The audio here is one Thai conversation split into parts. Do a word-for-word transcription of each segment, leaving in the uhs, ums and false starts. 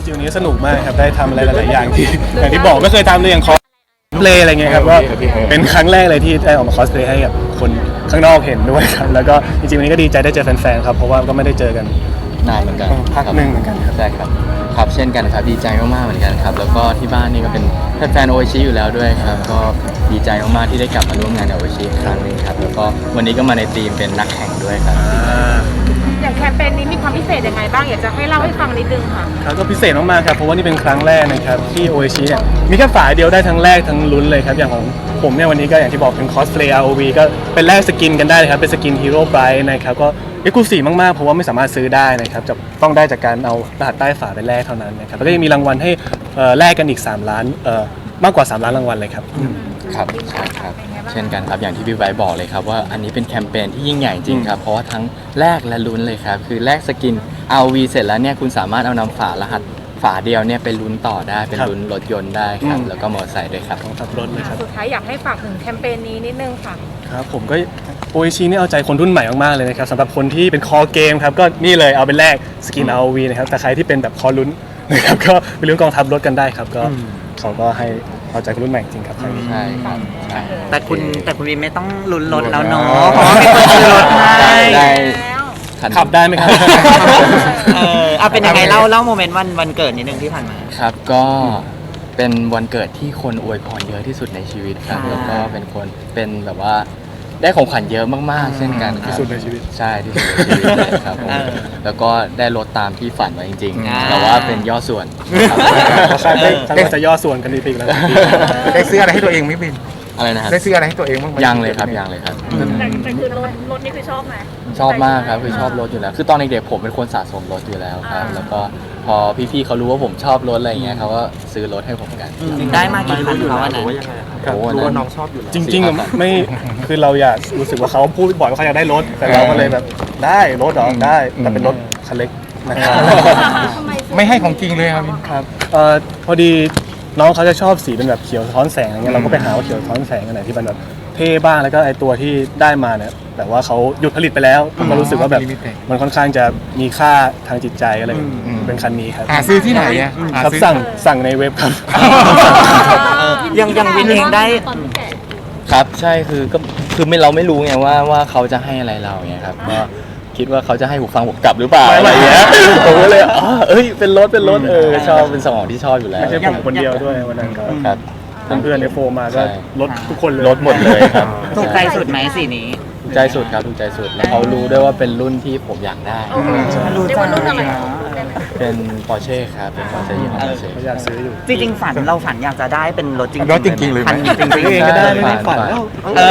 จริงๆวันนี้สนุกมากครับได้ทำอะไรหลายๆอย่างที่อย่างที่บอกไม่เคยทำเลยอย่างคอสเพลย์อะไรเงี้ยครับก็เป็นครั้งแรกเลยที่ได้ออกมาคอสเพลย์ให้กับคนข้างนอกเห็นด้วยครับแล้วก็จริงๆวันนี้ก็ดีใจได้เจอแฟนๆครับเพราะว่าก็ไม่ได้เจอกันนานเหมือนกันพักหนึ่งเหมือนกันครับใช่ครับครับเช่นกันครับดีใจมากๆเหมือนกันครับแล้วก็ที่บ้านนี่ก็เป็นแฟนๆโออิชิอยู่แล้วด้วยครับก็ดีใจมากๆที่ได้กลับมาร่วมงานกับโออิชิอีกครั้งหนึงครับแล้วก็วันนี้ก็มาในทีมเป็นนักแข่งด้วยครับอย่างแคมเปญนี้มีความพิเศษยังไงบ้างอยากจะให้เล่าให้ฟังนิดนึงค่ะครับก็พิเศษมากๆครับเพราะว่านี่เป็นครั้งแรกนะครับที่โออิชิเนี่ยมีแค่ฝาเดียวได้ทั้งแรกทั้งลุ้นเลยครับอย่างของผมเนี่ยวันนี้ก็อย่างที่บอกเป็นคอสเพลย์ อาร์ โอ วี ก็เป็นแลกสกินกันได้เลยครับเป็นสกินฮีโร่ไบรท์นะครับก็เอ็กซ์คลูซีฟมากๆเพราะว่าไม่สามารถซื้อได้นะครับจะต้องได้จากการเอารหัสใต้ฝาไปแลกเท่านั้นนะครับแล้วก็ยังมีรางวัลให้แลกกันอีกสามล้านมากกว่าสามล้านรางวัลเลยครับครับใช่ครับเช่นกันครับอย่างที่พี่ไบร์ทบอกเลยครับว่าอันนี้เป็นแคมเปญที่ยิ่งใหญ่จริงครับเพราะว่าทั้งแลกและลุ้นเลยครับคือแลกสกิน อาร์ โอ วี เสร็จแล้วเนี่ยคุณสามารถเอานำฝารหัสฝาเดียวเนี่ยไปลุ้นต่อได้เป็นลุ้นรถยนต์ได้ครับแล้วก็มอเตอร์ไซค์ด้วยครับของขับรถเลยครับสุดท้ายอยากให้ฝากถึงแคมเปญนี้นิดนึงค่ะครับผมก็โออิชินี่เอาใจคนรุ่นใหม่มากๆเลยนะครับสำหรับคนที่เป็นคอเกมครับก็นี่เลยเอาเป็นแรกสกิน อาร์ โอ วี นะครับแต่ใครที่เป็นแบบคอลุ้นนะครับก็ไปลุ้นกองทัพรถกันได้ครับก็เขาก็ให้เอาใจคนรุ่นใหม่จริงครับใช่ครับแต่คุณแต่คุณวินไม่ต้องลุ้นรถแล้วเนาะเพราะว่ามีคนซื้อรถให้ได้ขับได้ไหมครับเออเอาเป็นยังไงเล่าเล่าโมเมนต์วันวันเกิดนิดนึงที่ผ่านมาครับก็เป็นวันเกิดที่คนอวยพรเยอะที่สุดในชีวิตครับแล้วก็เป็นคนเป็นแบบว่าได้ของขวัญเยอะมากๆเช่นกันที่สุดในชีวิตใช่ที่สุดในชีวิตเลยครับผมแล้วก็ได้รถตามที่ฝันไว้จริงๆแต่ว่าเป็นย่อส่วนใช่ได้จะย่อส่วนกันดีปีแล้วได้ซื้ออะไรให้ตัวเองไหมบินอะไรนะครับได้ซื้ออะไรให้ตัวเองบ้างยังเลยครับยังเลยครับแต่คือรถรถนี่คือชอบไหมชอบมากครับคือชอบรถอยู่แล้วคือตอนเด็กๆผมเป็นคนสะสมรถอยู่แล้วครับแล้วก็พอพี่ๆเขารู้ว่าผมชอบรถอะไรเงี้ยเขาก็ซื้อรถให้ผมกันได้มากี่คันเขาอันนั้นรู้ว่าน้องชอบอยู่แล้วจริงๆไม่คือเราอยากรู้สึกว่าเขาพูดบ่อยว่าเขาอยากได้รถแต่เราก็เลยแบบได้รถหรอได้แต่เป็นรถคันเล็กนะครับไม่ให้ของจริงเลยครับครับพอดีน้องเขาจะชอบสีเป็นแบบเขียวสะท้อนแสงอะไรเงี้ยเราก็ไปหาว่าเขียวสะท้อนแสงอันไหนที่มันแบบเท่บ้างแล้วก็ไอตัวที่ได้มาเนี่ยแต่ว่าเขาหยุดผลิตไปแล้วก็รู้สึกว่าแบบมันค่อนข้างจะมีค่าทางจิตใจอะไรเป็นคันนี้ครับหาซื้อที่ไหนอ่ะครับสั่งสั่งในเว็บครับยังยังวินเองได้ครับใช่คือก็คือไม่เราไม่รู้ไงว่าว่าเขาจะให้อะไรเราไงครับก็คิดว่าเขาจะให้หูฟังผมกลับหรือเปล่าอะไรอย่างเงี้ยผมก็เลยอ๋อเอ้ยเป็นรถเป็นรถเออชอบเป็นสมองที่ชอบอยู่แล้วไม่ใช่ผมคนเดียวด้วยวันนั้นครับเพื่อนๆในโฟมาก็รถทุกคนเลยรถหมดเลยครับถูกใจสุดไหมสีนี้ถูกใจสุดครับถูกใจสุดแล้วเขารู้ด้วยว่าเป็นรุ่นที่ผมอยากได้รู้จักเป็น Porsche ครับเป็น Porsche ยี่ห้อ Porsche อยากซื้ออยู่จริงๆฝันเราฝันอยากจะได้เป็นรถจริงรถจริงๆเลยคันจริงๆเองก็ได้ไม่ฝันแล้ว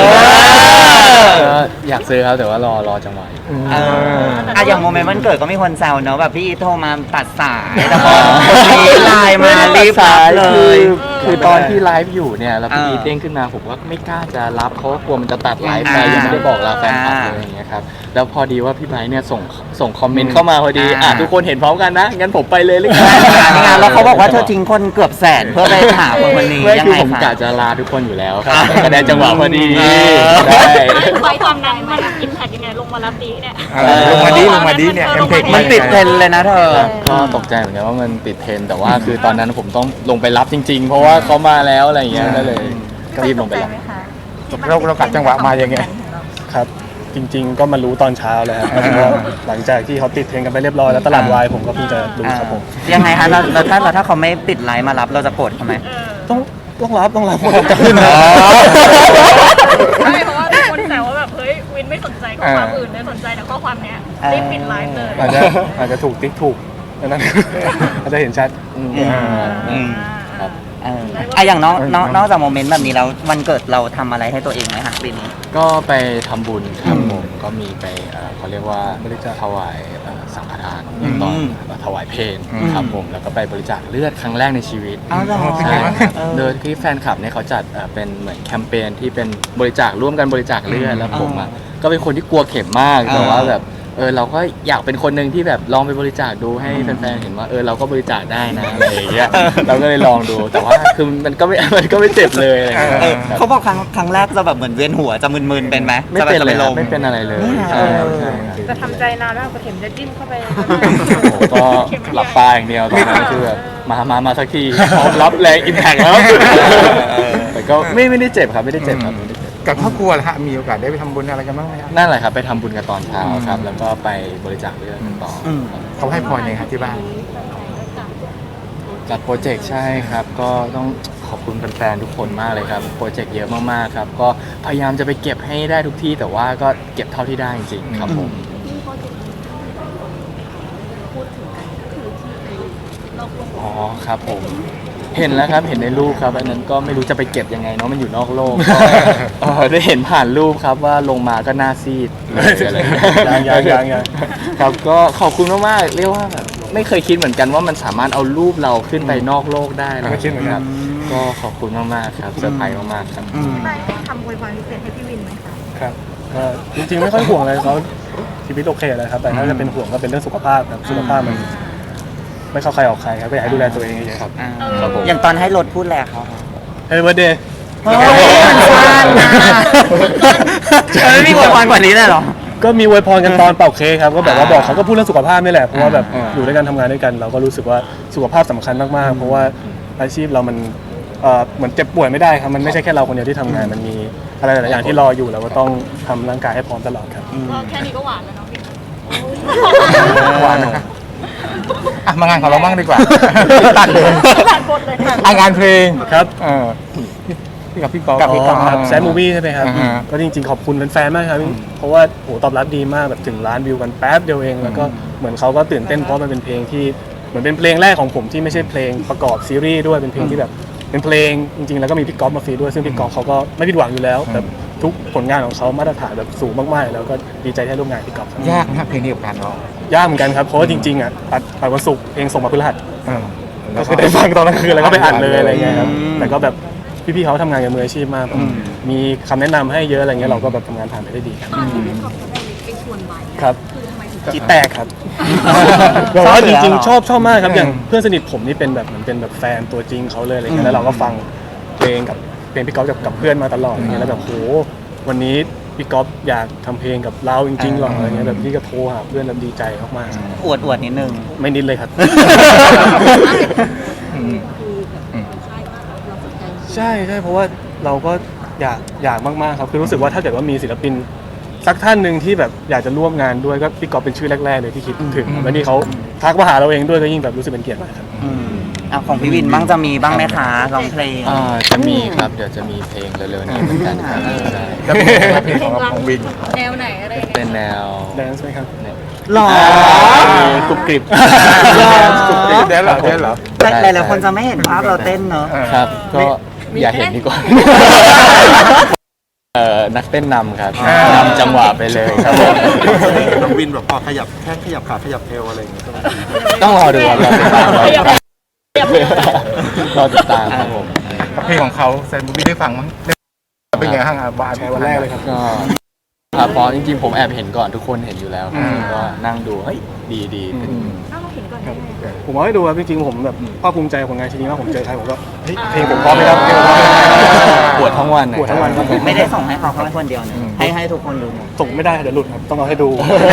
อยากซื้อครับแต่ว่ารอรอจังหวะอ่ะอย่างโมเมนต์วันเกิดก็มีคนแซวเนอะแบบพี่โทรมาตัดสายแต่พอคนนี้ไลน์มารีบรับเลยคือตอนที่ไลฟ์อยู่เนี่ยแล้วพี่เด้งขึ้นมาผมก็ไม่กล้าจะรับเพราะกลัวมันจะตัดไลฟ์ไปยังไม่ได้บอกลาแฟนคลับเลยอย่างเงี้ยครับแล้วพอดีว่าพี่ไบร์ทเนี่ยส่งส่งคอมเมนต์เข้ามาพอดีอ่ะทุกคนเห็นพร้อมกันนะงั้นผมไปเลยเลยครับแล้วเขาบอกว่าเธอทิ้งคนเกือบแสนเพื่อไปหาคนคนนี้ยังไงผมกะจะลาทุกคนอยู่แล้วครับก็ได้จังหวะพอดีได้ไว้ความนั้นมันอินแพคยังไงลงมารับดีเนี่ยลงมาดีลงมาดีเนี่ยเอ็มเพกมันติดเทรนเลยนะเธอก็ตกใจเหมือนกันว่ามันติดเทรนแต่ว่าคือตอนนั้นผมต้องลงไปรับจริงๆเพราะว่าเขามาแล้วอะไรอย่างเงี้ยก็เลยรีบลงไปรับเราเรากัดจังหวะมาอย่างเงี้ยครับจริงๆก็มารู้ตอนเช้าเลยครับหลังจากที่เขาติดเทรนกันไปเรียบร้อยแล้วตลาดวายผมก็เพิ่งจะรู้ครับผมยังไงคะเราถ้าเราถ้าเขาไม่ติดไลน์มารับเราจะโกรธเขาไหมต้องต้องรับต้องรับผมจะขึ้นนะใช่เพราะว่าคนแซวว่าแบบเฮ้ยวินไม่สนใจข้อความอื่นเลยสนใจแต่ข้อความเนี้ยรีบปิดไลฟ์เลยอาจจะอาจจะถูกติ๊กถูกนั้นอาจจะเห็นชัดครับอ่ะอย่างน้องนอกจากโมเมนต์แบบนี้แล้ววันเกิดเราทำอะไรให้ตัวเองไหมคะปีนี้ก็ไปทำบุญครับผมก็มีไปเขาเรียกว่าบริจาคถวายสังฆทานตอนถวายเพลงครับผมแล้วก็ไปบริจาคเลือดครั้งแรกในชีวิตใช่โดยที่แฟนคลับเนี่ยเขาจัดเป็นเหมือนแคมเปญที่เป็นบริจาคร่วมกันบริจาคเลือดแล้วผมอ่ะก็เป็นคนที่กลัวเข็มมากแต่ว่าแบบเออเราก็อยากเป็นคนหนึ่งที่แบบลองไปบริจาคดูให้แฟนๆเห็นว่าเออเราก็บริจาคได้นะอะไรอย่างเงี้ยเราก็เลยลองดูแต่ว่าคือมันก็ไม่มันก็ไม่เจ็บเลยอะไรอย่างเงี้ยเออเขาบอกครั้งครั้งแรกจะแบบเหมือนเวียนหัวจะมึนๆเป็นไหมไม่เป็นจะเลยลครับมไม่เป็นอะไรเลยใช่ครับใช่ครับจะทำใจนานแล้วกระเข็มจะจิ้มเข้าไปผมก็หลับตาอย่างเดียวตอนนั้นคือแบบมามามาสักทีพร้อมรับแรงอิมแพกแล้วแต่ก็ไม่ไม่ได้เจ็บครับไม่ได้เจ็บครับไม่ได้เจ็บกับครอบครัวล่ะฮะมีโอกาสได้ไปทำบุญอะไรกันบ้างไหมครับนั่นแหละครับไปทำบุญกันตอนเช้าครับแล้วก็ไปบริจาคเลือดกันต่ออมครับเขาให้พรยังไงครับที่บ้านจัดโปรเจกต์ใช่ครับ ก็ต้องขอบคุณแฟนๆทุกคนมากเลยครับโปรเจกต์เยอะมากๆครับก็พยายามจะไปเก็บให้ได้ทุกที่แต่ว่าก็เก็บเท่าที่ได้จริงๆครับผม อ๋อครับผมเห็นแล้วครับเห็นในรูปครับอันนั้นก็ไม่รู้จะไปเก็บยังไงเนาะมันอยู่นอกโลกก็เอ่อได้เห็นผ่านรูปครับว่าลงมาก็หน้าซีดเลยอะไรยังยังยังยังครับก็ขอบคุณมากๆเรียกว่าแบบไม่เคยคิดเหมือนกันว่ามันสามารถเอารูปเราขึ้นไปนอกโลกได้นะไม่คิดเหมือนกันก็ขอบคุณมากๆครับเซอร์ไพรส์มากๆครับอืมไปทำอวยพรพิเศษให้พี่วินไหมคะครับก็จริงๆไม่ค่อยห่วงอะไรเขาชีวิตโอเคเลยครับแต่ถ้าจะเป็นห่วงก็เป็นเรื่องสุขภาพครับสุขภาพมันไม่เข้าใครออกใครครับก็อยากให้ดูแลตัวเองเยอะๆครับอ่าครับผมอย่างตอนให้รถพูดแลเขาเฮ้ยวันเดย์เฮ้ยมันสั้นนะมันไม่มีอวยพรกว่านี้เลยเหรอก็มีอวยพรกันตอนเป่าเค้กครับก็แบบว่าอ่าบอกเขาก็พูดเรื่องสุขภาพนี่แหละเพราะว่าแบบอ่าอยู่ด้วยกันทำงานด้วยกัน เราก็รู้สึกว่าสุขภาพสำคัญมากๆเพราะว่าอาชีพเรามันเอ่อเหมือนเจ็บป่วยไม่ได้ครับมันไม่ใช่แค่เราคนเดียวที่ทำงานมันมีอะไรหลายๆอย่างที่รออยู่เราก็ต้องทำร่างกายให้พร้อมตลอดครับก็แค่นี้ก็หวานแล้วเนาะพี่หวานนะครับอ่ะมางานของเราบ้างดีกว่า ตัดเลยตัดบทเลยค่ะอ่ะงานเพลงครับเออพี่กับพี่กอล์ฟกับพี่กอล์ฟครับแซดมูวี่ใช่ไหมครับอ่าฮะก็จริงๆขอบคุณแฟนๆมากครับเพราะว่าโหตอบรับดีมากแบบถึงล้านวิวกันแป๊บเดียวเองแล้วก็เหมือนเขาก็ตื่นเต้นเพราะมันเป็นเพลงที่เหมือนเป็นเพลงแรกของผมที่ไม่ใช่เพลงประกอบซีรีส์ด้วยเป็นเพลงที่แบบเป็นเพลงจริงๆแล้วก็มีพี่ก๊อฟมาฟีด้วยซึ่งพี่ก๊อฟเขาก็ไม่ผิดหวังอยู่แล้วแบบทุกผลงานของเขามาตรฐานแบบสูงมากๆแล้วก็ดีใจที่ได้ร่วมงานกับพี่ก๊อฟครับยากนะเพลงนี้กับการร้องยากเหมือนกันครับเพราะว่าจริงๆอ่ะอัดอัดวันศุกร์เพลงส่งมาพฤหัสเออก็คือได้ฟังตอนกลางคืนแล้วก็ไปอัดเลยอะไรเงี้ยครับอืมแต่ก็แบบพี่ๆเขาทำงานกับมืออาชีพมากแบบมีคำแนะนำให้เยอะอะไรเงี้ยเราก็แบบทำงานผ่านไปได้ดีครับตอนที่พี่ขอบเขาได้ไปชวนไว้ครับคือทำไมถึงจีแตกครับแบบว่าจริงๆชอบชอบมากครับอย่างเพื่อนสนิทผมนี่เป็นแบบเหมือนเป็นแบบแฟนตัวจริงเขาเลยอะไรเงี้ยแล้วเราก็ฟังเพลงกับเพลงพี่ก๊อฟกับกับเพื่อนมาตลอดอะไรเงี้ยแล้วแบบโหวันนี้พี่ก๊อฟอยากทำเพลงกับเราจริงๆหรออะไรเงี้ยแบบพี่ก็โทรหาเพื่อนแบบดีใจมากๆอวดอวดนิดนึงไม่นิดเลยครับอืมอืมใช่ใช่เพราะว่าเราก็อยากอยากมากๆครับคือรู้สึกว่าถ้าเกิดว่ามีศิลปินสักท่านหนึ่งที่แบบอยากจะร่วมงานด้วยก็พี่ก๊อฟเป็นชื่อแรกๆเลยที่คิดถึงแล้วนี่เขาทักมาหาเราเองด้วยก็ยิ่งแบบรู้สึกเป็นเกียรติมากครับอืมอ่ะของพี่วินบ้างจะมีบ้างไหมคะร้องเพลงอ่าจะมีครับเดี๋ยวจะมีเพลงเร็วๆนี้เหมือนกันครับใช่แล้วเพลงอะไรเพลงของเราของวินแนวไหนอะไรยังไงเป็นแนวแดนซ์ไหมครับหรอกรุบกริบเดี๋ยวเหรอเดี๋ยวเหรอแต่หลายๆคนจะไม่เห็นภาพเราเต้นเนอะครับก็อย่าเห็นดีกว่าเอ่อนักเต้นนำครับนำจังหวะไปเลยครับผมน้องวินแบบพอขยับแค่ขยับขาขยับเอวอะไรอย่างเงี้ยต้องรอดูครับรอติดตามครับรอติดตามครับผมเพลงของเขาแซนบูบี้ได้ฟังมั้งได้เป็นไงบ้างอ่ะบ้านวันแรกเลยครับก็ครับเพราะจริงๆผมแอบเห็นก่อนทุกคนเห็นอยู่แล้วครับอืมก็นั่งดูเฮ้ยดีดีเป็นถ้าเราเห็นก่อนได้ไงผมเอาให้ดูครับจริงๆผมแบบภาคภูมิใจของงานชิ้นนี้มากผมเจอใครผมก็เฮ้ยเพลงผมพร้อมไหมครับเพลงผมพร้อมไหมครับปวดทั้งวันปวดทั้งวันครับผมไม่ได้ส่งให้เขาแค่คนเดียวนะให้ให้ทุกคนดูหมดส่งไม่ได้เดี๋ยวหลุดครับต้องเอาให้ดู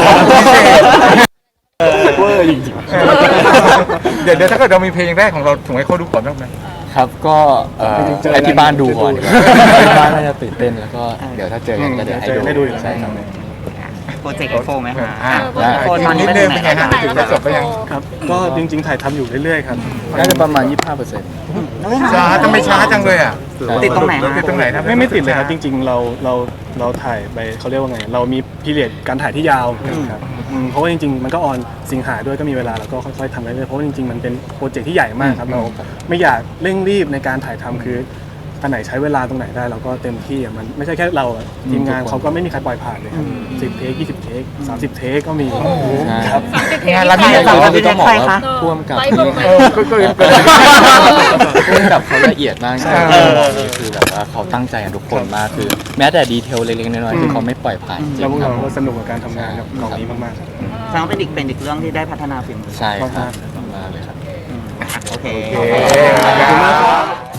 เวอร์จริงๆเดี๋ยวเดี๋ยวถ้าเกิดเรามีเพลงแรกของเราส่งให้เขาดูก่อนบ้างไหมครับก็เอ่อจริงๆเจอให้ที่บ้านดูก่อนดูที่บ้านน่าจะตื่นเต้นแล้วก็เดี๋ยวถ้าเจอกันก็เดี๋ยวให้เจอให้ดูดูอยู่แล้วใช่ครับโปรเจกต์เอฟโฟไหมคะอ่าอ่ะโฟตอนนี้นิดไปนึถึงงไหเป็นนไงแล้วฮะถึงจะจบไปยังครับก็จริงๆถ่ายทำอยู่เรื่อยๆครับน่าจะประมาณ ยี่สิบห้าเปอร์เซ็นต์ช้าทำไมช้าจังเลยอ่ะติดตรงไหนฮะติดตรงไหนครับไม่ไม่ติดเลยครับจริง ๆ เราเราเราถ่ายไปเขาเรียกว่าไง เรามีพีเรียดการถ่ายที่ยาวครับอืมเพราะว่าจริงๆมันก็ออนสิงหาด้วยก็มีเวลาแล้วก็ค่อยๆทำไปเรื่อยๆเพราะว่าจริงๆมันเป็นโปรเจกต์ที่ใหญ่มากครับเราไม่อยากเร่งรีบในการถ่ายทำคืออันไหนใช้เวลาตรงไหนได้เราก็เต็มที่อ่ะมันไม่ใช่แค่เราอะทีมงานเขาก็ไม่มีใครปล่อยผ่านเลยครับสิบเทคยี่สิบเทคสามสิบเทคก็มีครับงานเราใครไม่จะได้สามสิบต้องบอกใครว่าคะพ่วงกับไลฟ์ที่ลงไปเออก็ก็ก็พ่วงกับเขาละเอียดมากใช่เออบอกเลยคือแบบว่าเขาตั้งใจกันทุกคนมากคือ แม้แต่ดีเทลเล็กๆน้อยๆคือเขาไม่ปล่อยผ่านจริแล้วงพวกๆครัเราบก็สนุกกับการทำงานกับกองนี้มากๆครับแสดงว่าเป็นอีกเป็นอีกเรื่องที่ได้พัฒนาฝีมือใช่ครับมากๆเลยครับโอเคโอเคขอบคุณมากครับ